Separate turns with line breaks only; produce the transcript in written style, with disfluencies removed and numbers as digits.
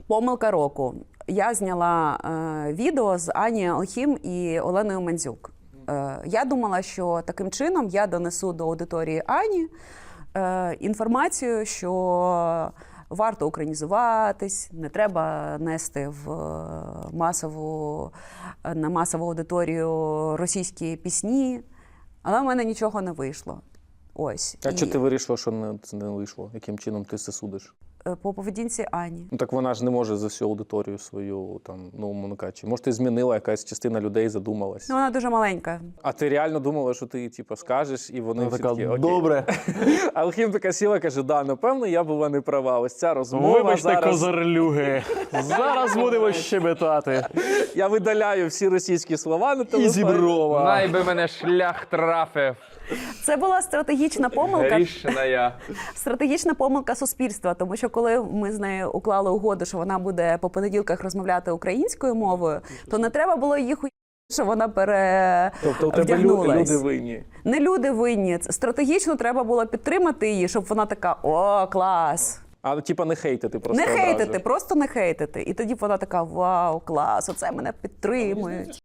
Помилка року. Я зняла відео з Ані Алхім і Оленою Мандзюк. Я думала, що таким чином я донесу до аудиторії Ані інформацію, що варто українізуватись, не треба нести на масову аудиторію російські пісні. Але в мене нічого не вийшло. Ось.
А чого ти вирішила, що не вийшло? Яким чином ти це судиш?
По поведінці Ані.
Ну так вона ж не може за всю аудиторію свою, там, ну, умовно кажучи. Може, ти змінила, якась частина людей задумалась.
Ну, вона дуже маленька.
А ти реально думала, що ти, типу, скажеш, і вони всі
така,
такі, окей.
добре.
А Алхім така сіла, каже, да, напевно, я була не права. Ось ця розмова
Вибачте,
зараз...
козарлюги. Зараз будемо щебетати.
Я видаляю всі російські слова на телефоні.
І зіброва.
Най би мене шлях трафив.
Це була стратегічна помилка.
Рішена я.
Стратегічна помилка суспільства, тому що коли ми з нею уклали угоду, що вона буде по понеділках розмовляти українською мовою, то не треба було їх що вона
Тобто у тебе
вдягнулась.
люди винні.
Не люди винні. Стратегічно треба було підтримати її, щоб вона така, о, клас.
А типа не хейтити просто
Не
одразу.
хейтити, просто не хейтити. І тоді вона така, вау, клас, оце мене підтримують.